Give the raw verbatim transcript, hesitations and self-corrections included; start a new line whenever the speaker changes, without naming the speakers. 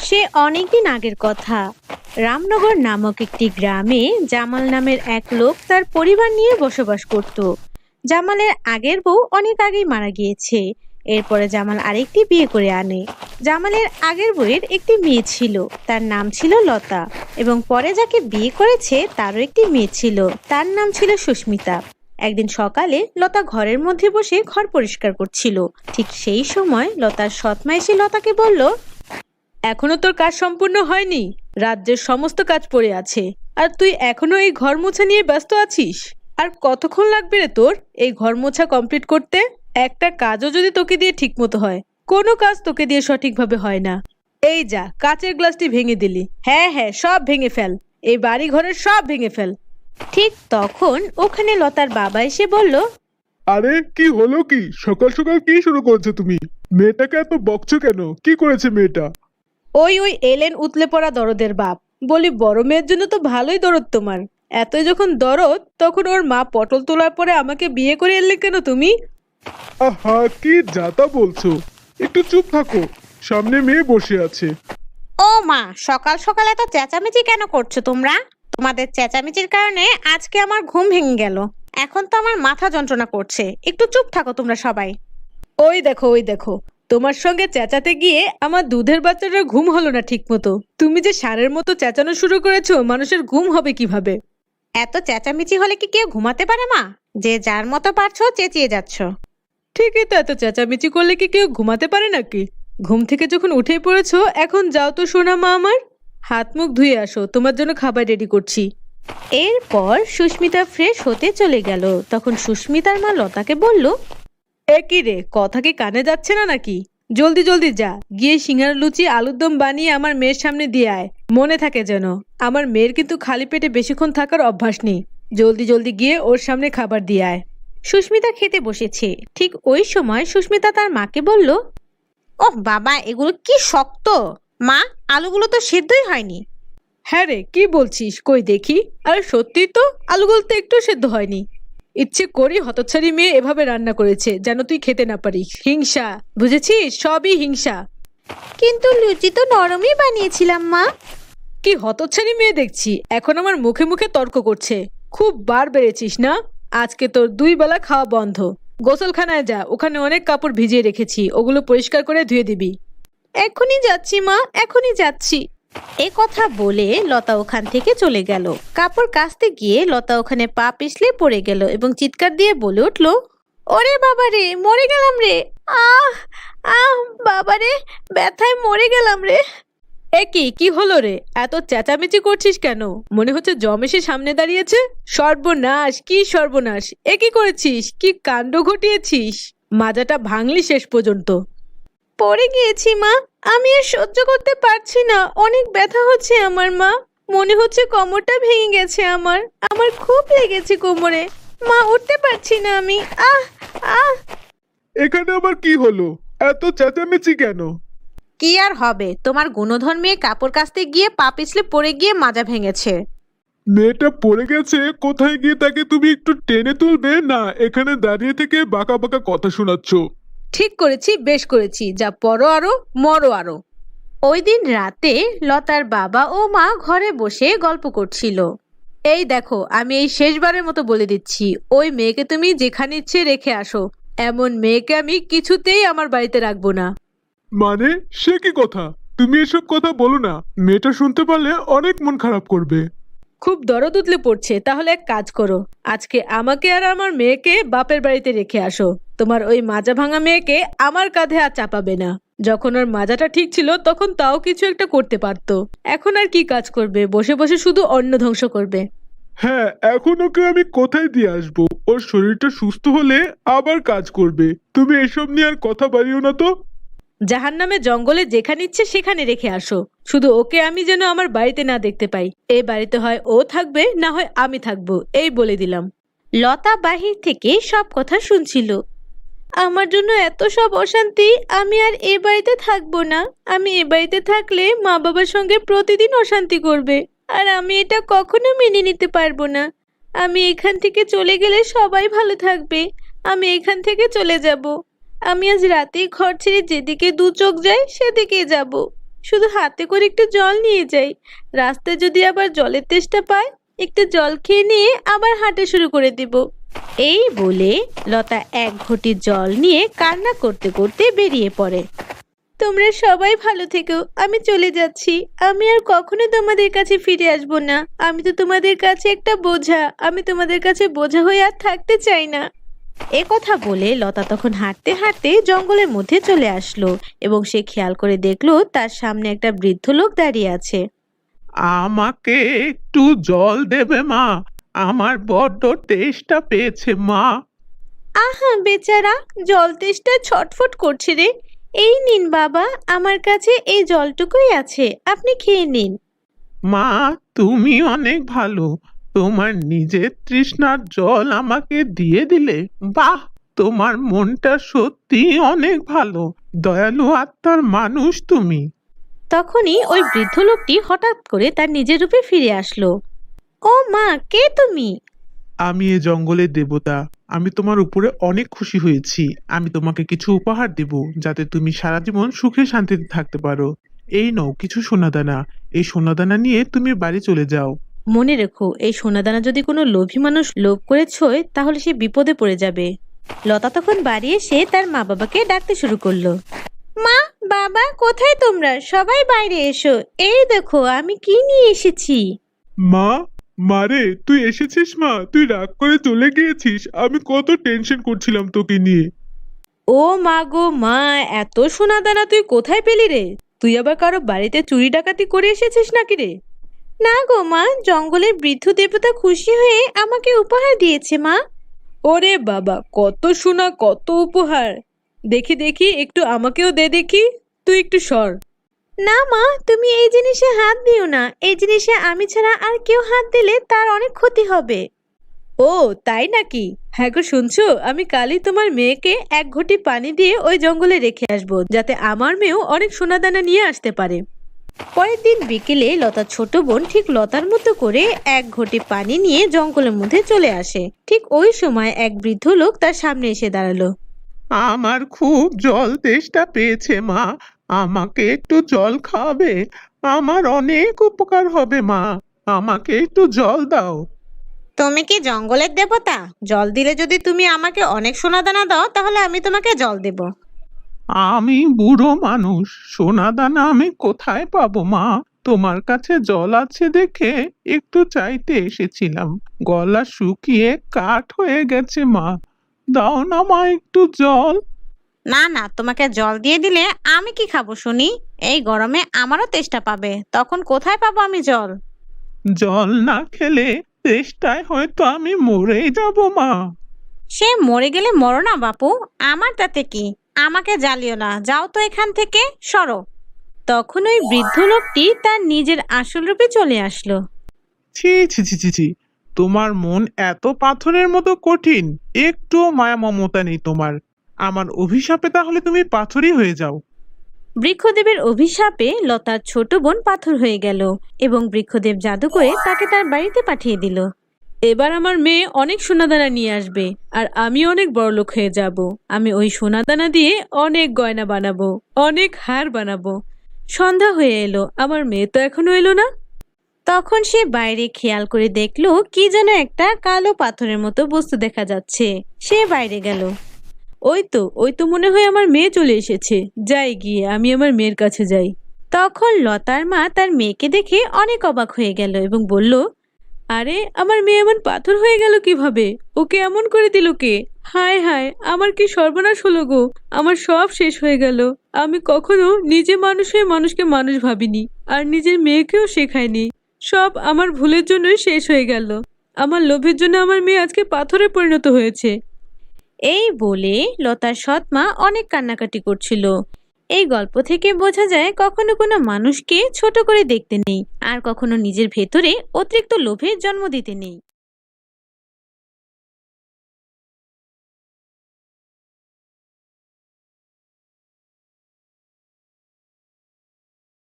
সে অনেকদিন আগের কথা। রামনগর নামক একটি গ্রামে জামাল নামের এক লোক তার পরিবার নিয়ে বসবাস করত। জামালের আগের বউ অনেক আগেই মারা গিয়েছে। এরপরে জামাল আরেকটি বিয়ে করে আনে। জামালের আগের বউয়ের একটি মেয়ে ছিল, তার নাম ছিল লতা, এবং পরে যাকে বিয়ে করেছে তারও একটি মেয়ে ছিল, তার নাম ছিল সুস্মিতা। একদিন সকালে লতা ঘরের মধ্যে বসে ঘর পরিষ্কার করছিল। ঠিক সেই সময় লতার সৎমা এসে লতাকে বলল,
এখনো তোর কাজ সম্পূর্ণ হয়নি। রাজ্যের সমস্ত কাজ পড়ে আছে, আর তুই এখনো এই ঘর মোছা নিয়ে ব্যস্ত আছিস। আর কতক্ষণ লাগবে রে তোর এই ঘর মোছা কমপ্লিট করতে? একটা কাজও যদি তোকে দিয়ে ঠিক মতো হয়, কোনো কাজ তোকে দিয়ে সঠিকভাবে হয় না। এই যা, কাচের গ্লাসটি ভেঙে দিলি। হ্যাঁ হ্যাঁ, সব ভেঙে ফেল, এই বাড়ি ঘরের সব ভেঙে ফেল।
ঠিক তখন ওখানে লতার বাবা এসে বলল,
আরে কি হলো? কি সকাল সকাল কি শুরু করেছো তুমি? মেয়েটাকে এত বকছো কেন? কি করেছে মেয়েটা?
ওই ওই এলেন উতলে পড়া দরদের বাপ। বলি, বড় মেয়ের জন্য তো ভালোই দরদ তোমার। এতই যখন দরদ, তখন ওর মা পটল তোলার পরে আমাকে বিয়ে করে এলে কেন তুমি?
আহা, কি যাতা বলছো! একটু চুপ থাকো, সামনে মেয়ে বসে আছে।
ও মা, সকাল সকাল এত চেঁচামেচি কেন করছো তোমরা? তোমাদের চেঁচামেচির কারণে আজকে আমার ঘুম ভেঙে গেল। এখন তো আমার মাথা যন্ত্রণা করছে। একটু চুপ থাকো তোমরা সবাই।
ওই দেখো ওই দেখো, তোমার সঙ্গে চেঁচাতে গিয়ে আমার দুধের বাচ্চাটার ঘুম হলো না ঠিক মতো। তুমি যে ষাঁড়ের মতো চেঁচানো শুরু করেছো, মানুষের ঘুম হবে কিভাবে?
এত চেঁচামেচি হলে কি কেউ ঘুমাতে পারে মা? যে যার মতো পারছো চেঁচিয়ে যাচ্ছ।
ঠিকই তো, এত চেঁচামেচি করলে কি কেউ ঘুমাতে পারে নাকি? ঘুম থেকে যখন উঠে পড়েছো, এখন যাও তো সোনা মা আমার, হাত মুখ ধুয়ে আসো, তোমার জন্য খাবার রেডি করছি।
এরপর সুস্মিতা ফ্রেশ হতে চলে গেল। তখন সুস্মিতার মা লতাকে বলল,
এ কি রে, কথা কি কানে যাচ্ছে না নাকি? জলদি জলদি যা, গিয়ে সিঙ্গারা লুচি আলুর দম বানিয়ে আমার মেয়ের সামনে দিয়ে আয়। মনে থাকে যেন, আমার মেয়ের কিন্তু খালি পেটে বেশিক্ষণ থাকার অভ্যাস নেই। জলদি জলদি গিয়ে ওর সামনে খাবার দিয়ে আয়।
সুস্মিতা খেতে বসেছে। ঠিক ওই সময় সুস্মিতা তার মাকে বলল, ওহ বাবা, এগুলো কি শক্ত! মা, আলুগুলো তো সেদ্ধই হয়নি।
হ্যাঁ রে, কি বলছিস? কই দেখি। আরে সত্যি তো, আলুগুলো তো একটু সেদ্ধ হয়নি। ইচ্ছে করি হতচ্ছাড়ি মেয়ে এভাবে রান্না করেছে যেন তুই খেতে না পারিস। হিংসা, বুঝেছিস? সবই হিংসা।
কিন্তু লুচি তো নরমই বানিয়েছিলাম মা।
কি হতচ্ছাড়ি মেয়ে দেখছি, এখন আমার মুখে মুখে তর্ক করছে। খুব বার বেড়েছিস না? আজকে তোর দুই বেলা খাওয়া বন্ধ। গোসলখানায় যা, ওখানে অনেক কাপড় ভিজিয়ে রেখেছি, ওগুলো পরিষ্কার করে ধুয়ে দিবি।
এখনই যাচ্ছি মা, এখনই যাচ্ছি। এ কথা বলে লতা ওখান থেকে চলে গেল। কাপড় কাচতে গিয়ে লতা ওখানে পা পিছলে পড়ে গেল এবং চিৎকার দিয়ে বলে উঠল, ওরে বাবা রে, মরে গেলাম রে! আহ আহ বাবা রে, ব্যথায় মরে গেলাম রে!
এ কি কি হলো রে? এত চেঁচামেচি করছিস কেন? মনে হচ্ছে জমেসে সামনে দাঁড়িয়েছে। সর্বনাশ, কি সর্বনাশ! এ কি করেছিস? কি কাণ্ড ঘটিয়েছিস! মাজাটা ভাঙলি শেষ পর্যন্ত।
পড়ে গিয়েছি মা, আমি আর সহ্য করতে পারছি না। অনেক ব্যথা হচ্ছে আমার মা। মনে হচ্ছে কোমরটা ভেঙে গেছে আমার। আমার খুব লেগেছে কোমরে। মা, উঠতে পারছি না আমি। আহ আহ
এখানে আবার কি হলো? এত চেঁচামেচি কেন?
কি আর হবে, তোমার গুণধর মেয়ে কাপড় কাচতে গিয়ে পা পিছলে পড়ে গিয়ে মাজা ভেঙেছে।
মেয়েটা পড়ে গেছে, কোথায় গিয়ে তাকে তুমি একটু টেনে তুলবে না? এখানে দাঁড়িয়ে থেকে বাঁকা বাঁকা কথা শোনাচ্ছ।
ঠিক করেছি, বেশ করেছি, যা পড়ো আরো, মরো আরো।
ওই দিন রাতে লতার বাবা ও মা ঘরে বসে গল্প করছিল।
এই দেখো, আমি এই শেষবারের মতো বলে দিচ্ছি, ওই মেয়েকে তুমি যেখানে ইচ্ছে রেখে আসো। এমন মেয়েকে আমি কিছুতেই আমার বাড়িতে রাখবো না।
মানে সে কি কথা? তুমি এসব কথা বলো না, মেয়েটা শুনতে পারলে অনেক মন খারাপ করবে।
খুব দরদ উতলে পড়ছে, তাহলে এক কাজ করো, আজকে আমাকে আর আমার মেয়েকে বাপের বাড়িতে রেখে আসো। তোমার ওই মাজা ভাঙা মেয়েকে আমার কাঁধে আর চাপাবে না। যখন ওর মাজাটা ঠিক ছিল তখন তাও কিছু একটা করতে পারতো। এখন আর কি কাজ করবে? বসে বসে শুধু অন্ন ধ্বংস করবে।
হ্যাঁ, এখন ওকে আমি কোথায় দিয়ে আসবো? ওর শরীরটা সুস্থ হলে আবার কাজ করবে। তুমি এসব নিয়ে আর কথা বাড়িও না তো।
জাহান্নামে জঙ্গলে যেখানে ইচ্ছে সেখানে রেখে আসো, শুধু ওকে আমি যেন আমার বাড়িতে না দেখতে পাই। এই বাড়িতে হয় ও থাকবে, না হয় আমি থাকবো, এই বলে দিলাম।
লতা বাহির থেকে সব কথা শুনছিল। আমার জন্য এত সব অশান্তি, আমি আর এ বাড়িতে থাকবো না। আমি এ বাড়িতে থাকলে মা বাবার সঙ্গে প্রতিদিন অশান্তি করবে, আর আমি এটা কখনো মেনে নিতে পারবো না। আমি এখান থেকে চলে গেলে সবাই ভালো থাকবে। আমি এখান থেকে চলে যাব। আমি আজ রাতেই ঘর ছেড়ে যেদিকে দু চোখ যায় সেদিকে যাব।
শুধু হাতে করে একটু জল নিয়ে যাই। রাস্তায় যদি আবার জলের তেষ্টা পায়, একটু জল খেয়ে নিয়ে আবার হাঁটা শুরু করে দিব।
এই বলে লতা এক ঘটি জল নিয়ে কান্না করতে করতে বেরিয়ে পড়ে।
তোমরা সবাই ভালো থেকো, আমি চলে যাচ্ছি। আমি আর কখনো তোমাদের কাছে ফিরে আসবো না। আমি তো তোমাদের কাছে একটা বোঝা। আমি তোমাদের কাছে বোঝা হয়ে আর থাকতে চাই না।
এ কথা বলে লতা তখন হাঁটতে হাঁটতে জঙ্গলের মধ্যে চলে আসলো এবং সে খেয়াল করে দেখলো তার সামনে একটা বৃদ্ধ লোক দাঁড়িয়ে আছে।
আমাকে একটু জল দেবে মা? আমার বড্ড তেষ্টা পেয়েছে মা।
আহা বেচারা, জল তেষ্টা ছটফট করছে রে। এই নিন বাবা, আমার কাছে এই জলটুকুই আছে, আপনি খেয়ে নিন।
মা, তুমি অনেক ভালো। তোমার নিজের তৃষ্ণার জল আমাকে দিয়ে দিলে। বাহ, তোমার মনটা সত্যি অনেক ভালো। দয়ালু আত্মার মানুষ তুমি।
তখনই ওই বৃদ্ধ লোকটি হঠাৎ করে তার নিজের রূপে ফিরে আসলো।
ও মা, কে তুমি?
আমি এ জঙ্গলের দেবতা। আমি তোমার উপরে অনেক খুশি হয়েছি। আমি তোমাকে কিছু উপহার দেব যাতে তুমি সারা জীবন সুখে শান্তিতে থাকতে পারো। এই নাও কিছু সোনাদানা। এই সোনাদানা নিয়ে তুমি বাড়ি চলে যাও।
মনে রেখো, এই সোনাদানা যদি কোনো লোভী মানুষ লোভ করে ছোয় তাহলে সে বিপদে পড়ে যাবে। লতা তখন বাড়ি এসে তার মা বাবাকে ডাকতে শুরু করলো।
মা, বাবা, কোথায় তোমরা? সবাই বাইরে এসো। এই দেখো আমি কি নিয়ে এসেছি।
মা, মারে তুই এসেছিস? মা, তুই রাগ করে চলে গিয়েছিস। আমি কত টেনশন করছিলাম তোকে নিয়ে।
ও মা গো মা, এত সোনাদানা তুই কোথায় পেলি রে? তুই আবার কারো বাড়িতে চুরি ডাকাতি করে এসেছিস নাকি রে? না গো মা, জঙ্গলের বৃদ্ধ দেবতা খুশি হয়ে আমাকে উপহার দিয়েছে মা। ওরে বাবা, কত সোনা, কত উপহার! দেখি দেখি, একটু আমাকেও দে দেখি। তুই একটু সর। না মা, তুমি এই জিনিসে হাত দিও না। এই জিনিসে আমি ছাড়া আর কেউ হাত দিলে তার অনেক ক্ষতি হবে। ও তাই নাকি? হ্যাঁ গো, শুনছো, আমি কালই তোমার মেয়েকে এক ঘটি পানি দিয়ে ওই জঙ্গলে রেখে আসবো, যাতে আমার মেয়েও অনেক সোনাদানা নিয়ে আসতে পারে।
পরের দিন বিকেলে লতার ছোট বোন ঠিক লতার মতো করে এক ঘটি পানি নিয়ে জঙ্গলের মধ্যে চলে আসে। ঠিক ওই সময় এক বৃদ্ধ লোক তার সামনে এসে দাঁড়ালো।
আমার খুব জল তেষ্টা পেয়েছে মা। আমাকে একটু জল খাওয়াবে? আমার অনেক উপকার হবে মা। আমাকে একটু জল দাও।
তুমি কি জঙ্গলের দেবতা? জল দিলে যদি তুমি আমাকে অনেক সোনাদানা দাও তাহলে আমি তোমাকে জল দেব।
আমি বুড়ো মানুষ, সোনাদানা আমি কোথায় পাবো মা? তোমার কাছে জল আছে দেখে একটু চাইতে এসেছিলাম। গলা শুকিয়ে কাঠ হয়ে গেছে মা। দাও না মা একটু জল।
না না, তোমাকে জল দিয়ে দিলে আমি কি খাবো শুনি? এই গরমে আমারও তেষ্টা পাবে, তখন কোথায় পাবো আমি জল?
জল না খেলে তেষ্টায় হয়তো আমি মরেই যাব মা।
সে মরে গেলে মরো না বাপু, আমার তাতে কি? আমাকে জ্বালিও না, যাও তো এখান থেকে, সরো। তখন ওই বৃদ্ধ লোকটি তার নিজের আসল রূপে চলে আসলো।
ছি ছি ছি ছি ছি, তোমার মন এত পাথরের মতো কঠিন, একটুও মায়া মমতা নেই তোমার। আমার অভিশাপে তাহলে তুমি পাথরই হয়ে যাও।
বৃক্ষদেবের অভিশাপে লতার ছোট বোন পাথর হয়ে গেল এবং বৃক্ষদেব জাদু করে তাকে তার বাড়িতে পাঠিয়ে দিল।
এবার আমার মেয়ে অনেক সোনাদানা নিয়ে আসবে আর আমি অনেক বড়লোক হয়ে যাব। আমি ওই সোনাদানা দিয়ে অনেক গয়না বানাবো, অনেক হার বানাবো। সন্ধ্যা হয়ে এলো, আমার মেয়ে তো এখনো এলো না।
তখন সে বাইরে খেয়াল করে দেখলো কি যেন একটা কালো পাথরের মতো বস্তু দেখা যাচ্ছে। সে বাইরে গেল।
ওই তো ওই তো মনে হয় আমার মেয়ে চলে এসেছে। যাই গিয়ে আমি আমার মেয়ের কাছে যাই।
তখন লতার মা তার মেয়েকে দেখে অনেক অবাক হয়ে গেল এবং বলল,
আরে আমার মেয়ে এমন পাথর হয়ে গেল কিভাবে? ওকে এমন করে দিল কে? হায় হায়, আমার কি সর্বনাশ হলো গো! আমার সব শেষ হয়ে গেল। আমি কখনো নিজে মানুষ হয়ে মানুষকে মানুষ ভাবিনি, আর নিজের মেয়েকেও শেখাইনি। সব আমার ভুলের জন্যই শেষ হয়ে গেল। আমার লোভের জন্য আমার মেয়ে আজকে পাথরে পরিণত হয়েছে।
এই বলে লতার সৎ মা অনেক কান্নাকাটি করছিল। এই গল্প থেকে বোঝা যায় কখনো কোনো মানুষকে ছোট করে দেখতে নেই আর কখনো নিজের ভেতরে অতিরিক্ত লোভের জন্ম দিতে নেই।